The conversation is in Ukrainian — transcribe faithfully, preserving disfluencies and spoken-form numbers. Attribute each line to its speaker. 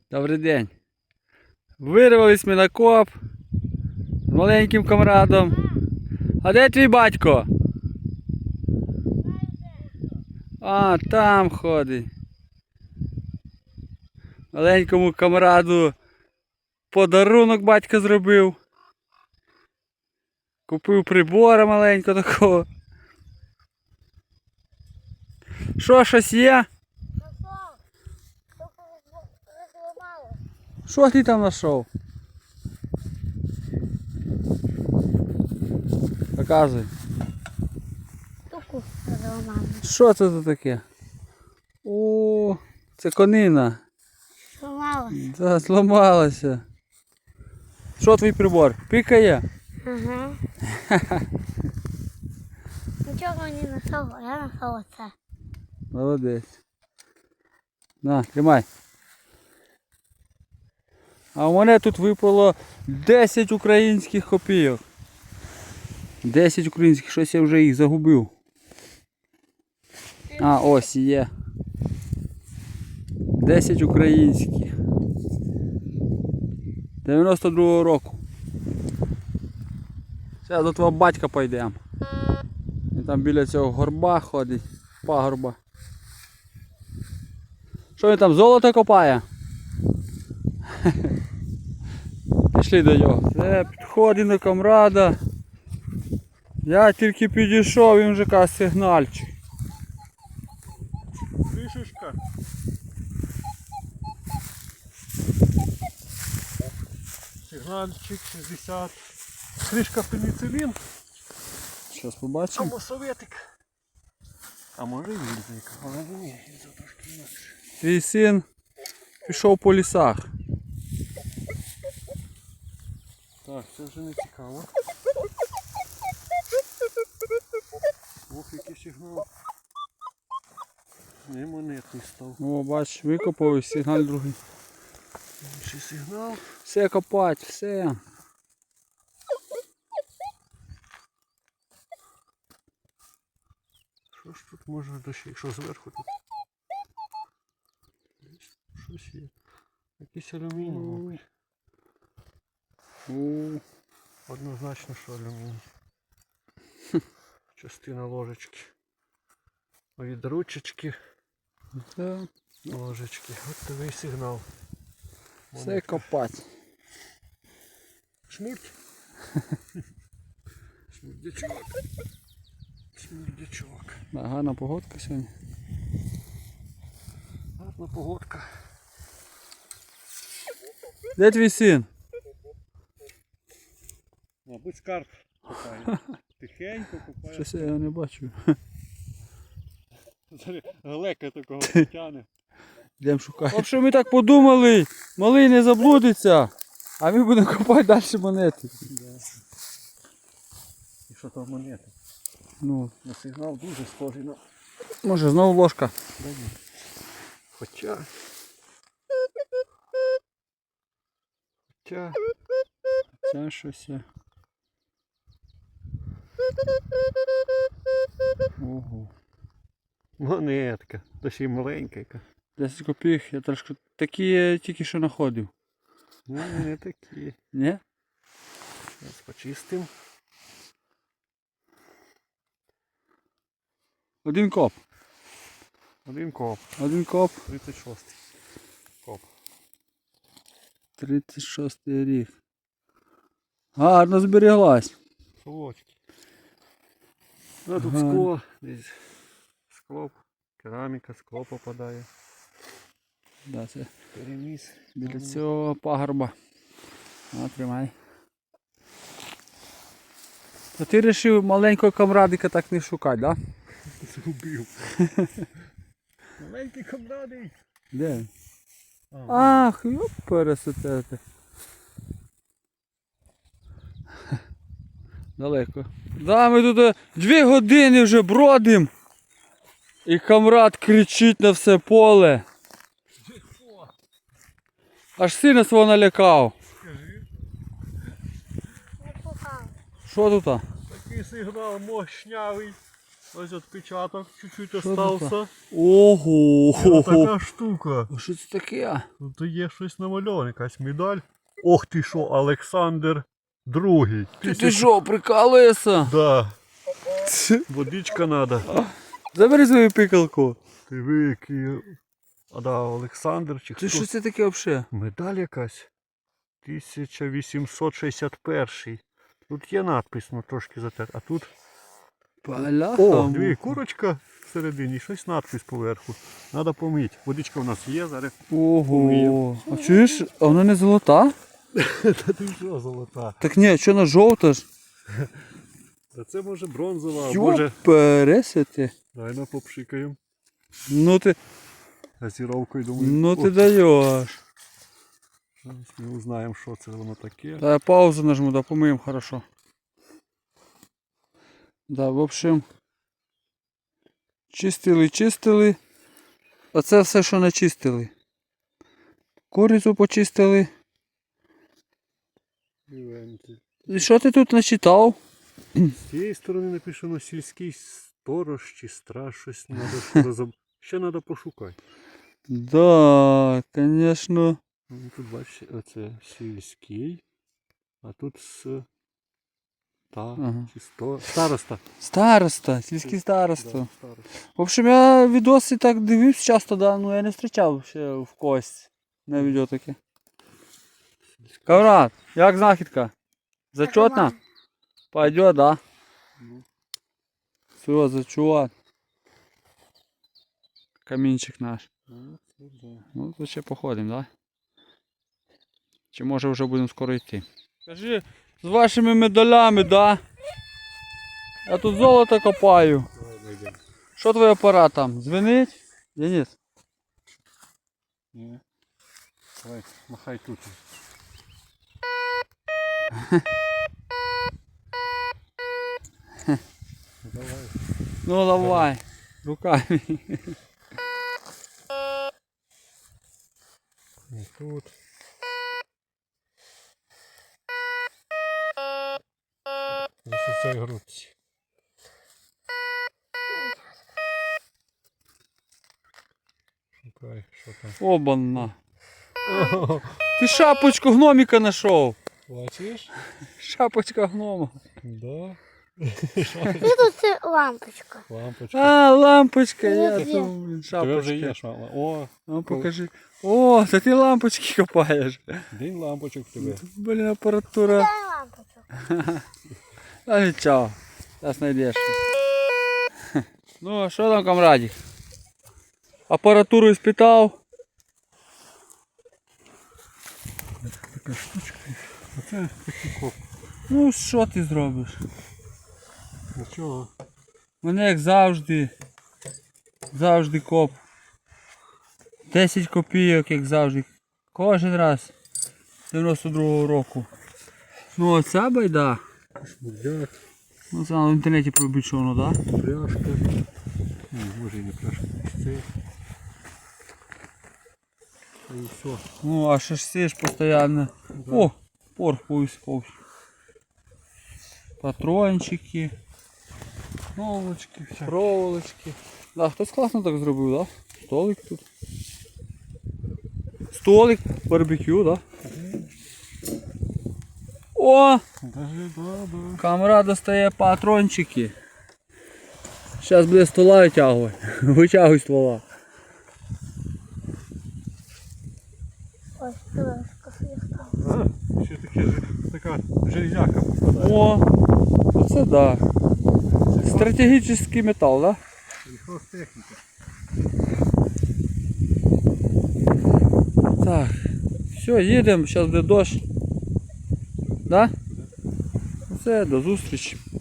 Speaker 1: Добрий день. Вирвались ми на коп з маленьким камрадом. А де твій батько? А, там ходить. Маленькому камраду подарунок батько зробив. Купив прибора маленького такого. Що, щось є? Що ти там знайшов? Показуй.
Speaker 2: Штуку розламала.
Speaker 1: Що це тут таке? О, це конина.
Speaker 2: Зламалася.
Speaker 1: Да, зламалася. Що твій прибор? Пікає?
Speaker 2: Ага. Нічого не знайшов, а я знайшов оце.
Speaker 1: Молодець. На, тримай. А у мене тут випало десять українських копійок. десять українських, щось я вже їх загубив. А, ось є. десять українських. дев'яносто другого року. Зараз до твого батька пойдемо. Він там біля цього горба ходить. Пагорба. Що він там, золото копає? Пішли до нього. Це підходить до камрада. Я тільки підійшов, він вже каже сигнальчик.
Speaker 3: Кришечка. Сигнальчик шістдесят. Кришка пеніцилін.
Speaker 1: Зараз побачимо.
Speaker 3: Або советик. А може і гільзик. Але ні, гільза трошки інакше.
Speaker 1: Твій син пішов по лісах.
Speaker 3: Так, це вже не цікаво. Ох, який сигнал. Не монетний став.
Speaker 1: О, бач, викопав і сигнал другий.
Speaker 3: Інший сигнал.
Speaker 1: Все копать, все.
Speaker 3: Що ж тут може дощі? Що зверху тут? Щось є. Якийсь алюміній, мабуть.
Speaker 1: У,
Speaker 3: Однозначно, що алюміній. Частина ложечки. Від ручечки.
Speaker 1: да.
Speaker 3: Ложечки. От такий сигнал.
Speaker 1: Все копать.
Speaker 3: Шмурть. Шмурдячок. Шмурдячок.
Speaker 1: Да, гарна погодка сьогодні.
Speaker 3: Гарна погодка.
Speaker 1: Де твій син?
Speaker 3: Мабуть, скарб копає. Тихенько копає.
Speaker 1: Щось я його не бачу.
Speaker 3: Глека такого тяне.
Speaker 1: Йдемо шукати. В общем, ми так подумали, малий не заблудиться, а ми будемо копати далі монети.
Speaker 3: І що там монети?
Speaker 1: Ну,
Speaker 3: На сигнал дуже схожий на...
Speaker 1: може знову ложка.
Speaker 3: Да ні. Хоча... Хоча...
Speaker 1: Це щось є. Ого.
Speaker 3: Монетка. Та ще й маленька яка.
Speaker 1: десять копійок, я трошки такі я тільки що знаходив.
Speaker 3: Ну, не такі.
Speaker 1: Ні?
Speaker 3: Зараз почистим.
Speaker 1: Один коп.
Speaker 3: Один коп.
Speaker 1: Один коп.
Speaker 3: тридцять шостий. Коп.
Speaker 1: тридцять шостий рік. Гарно зберіглась.
Speaker 3: Солодкий. А тут
Speaker 1: Ага.
Speaker 3: скло. Десь скло. Кераміка, скло попадає.
Speaker 1: Да, це
Speaker 3: Переміс.
Speaker 1: біля цього пагорба. А, тримай. То ти вирішив маленького камрадика так не шукати, так? Да?
Speaker 3: Згубив. Маленький камрадий.
Speaker 1: Де? він?
Speaker 3: А,
Speaker 1: Ах, йоп, пересетете. Далеко. Да, ми тут е, дві години вже бродимо. І камрад кричить на все поле. Аж сина свого налякав.
Speaker 3: скажи.
Speaker 2: Не пухав.
Speaker 1: Що тут?
Speaker 3: Такий сигнал мощнявий. Ось відпечаток чуть-чуть
Speaker 1: Що
Speaker 3: остався.
Speaker 1: Ого!
Speaker 3: Ось така штука.
Speaker 1: А що це таке?
Speaker 3: Тут є щось намальоване, якась медаль. Ох ти що, Олександр Другий.
Speaker 1: Ти, ти що, прикалуєшся?
Speaker 3: Да. Водичка надо.
Speaker 1: Забери свою пикалку.
Speaker 3: Ти вики. А да, Олександр чи хто?
Speaker 1: Це що це таке взагалі?
Speaker 3: Медаль якась. тисяча вісімсот шістдесят перший. Тут є надпис, ну трошки затер. А тут.
Speaker 1: Бляха.
Speaker 3: О, дві курочка всередині, щось надпис поверху. Надо помити. Водичка в нас є, зараз.
Speaker 1: Ого. А чуєш, а вона не золота?
Speaker 3: Та ти що, золота?
Speaker 1: Так ні, що вона жовта ж?
Speaker 3: Та це може бронзова, а
Speaker 1: Йо,
Speaker 3: може.
Speaker 1: пересити.
Speaker 3: Дай на попшикаємо.
Speaker 1: Ну ти,
Speaker 3: Газіровкою, думаю.
Speaker 1: ну ти
Speaker 3: о,
Speaker 1: даєш.
Speaker 3: зараз ми узнаємо, що це воно таке.
Speaker 1: Та я паузу нажму, да помиємо хорошо. Да, в общем. Чистили, чистили. А це все, що начистили. Курицю почистили.
Speaker 3: Івенти.
Speaker 1: І що ти тут начитав?
Speaker 3: З цієї сторони написано сільський сторож чи страж, щось треба розоб... Ще треба пошукати.
Speaker 1: Да, конечно.
Speaker 3: Ну, тут бачите, оце сільський, а тут с... Та,
Speaker 1: Ага.
Speaker 3: чи сто... Староста.
Speaker 1: Староста, сільський староста.
Speaker 3: Да, староста.
Speaker 1: В общем, я відоси так дивився часто, да, ну я не зустрічав ще в когось на відео таке. Каврат, як знахідка? Зачетна? Пойдет, да?
Speaker 3: Ну.
Speaker 1: Все, зачет. Камінчик наш.
Speaker 3: Ну, це да.
Speaker 1: Ну, то ще походимо, да? Чи може вже будемо скоро йти? Скажи, з вашими медалями, да? Я тут золото копаю.
Speaker 3: Давай знайдемо.
Speaker 1: Що твій апарат там? Дзвенить? Денис?
Speaker 3: Ні. Давай, махай тут. Ну, давай.
Speaker 1: Ну давай, руками.
Speaker 3: І тут. Ось у цій грудці. Шукай, що там.
Speaker 1: Обана.
Speaker 3: О,
Speaker 1: Ти шапочку гноміка знайшов.
Speaker 3: бачиш?
Speaker 1: Шапочка гнома.
Speaker 3: Да.
Speaker 2: І тут це лампочка.
Speaker 3: Лампочка.
Speaker 1: А, лампочка, я
Speaker 2: Є.
Speaker 1: думав, блін,
Speaker 3: Тебе вже є
Speaker 1: шапочка.
Speaker 3: шмала. О,
Speaker 1: Ну покажи. О, це ти лампочки копаєш.
Speaker 3: день лампочок в тебе.
Speaker 1: Блін, апаратура.
Speaker 2: Дай лампочку.
Speaker 1: А нічого, зараз знайдеш. Ну, а що там, камрадик? Апаратуру іспитав.
Speaker 3: Така штучка. Оце такий коп.
Speaker 1: Ну, що ти зробиш?
Speaker 3: Нічого.
Speaker 1: Мене як завжди. Завжди коп. десять копійок, як завжди. Кожен раз. дев'яносто другого року. Ну оця байда.
Speaker 3: Шмурдяк,
Speaker 1: Ну це в інтернеті пробить, що воно, да?
Speaker 3: пляшка. Ні, може і не пляшка. Це. І все.
Speaker 1: Ну а шашси ж постійно.
Speaker 3: Да.
Speaker 1: О, порох повисипав. Патрончики.
Speaker 3: Проволочки, всякі.
Speaker 1: Проволочки. Да, хтось класно так зробив, да? Столик тут. Столик, барбекю, да? О!
Speaker 3: Даже, да, да.
Speaker 1: Камера достає патрончики. Зараз буде стола витягувати. Витягуй ствола.
Speaker 2: Ось пилочка стала.
Speaker 3: А, ще таке, ж- така железяка попадає.
Speaker 1: О! Оце да. Стратегічний метал, да?
Speaker 3: Сільхозтехніка.
Speaker 1: Так. Все, їдемо, зараз буде дощ. Да? Все, до зустрічі.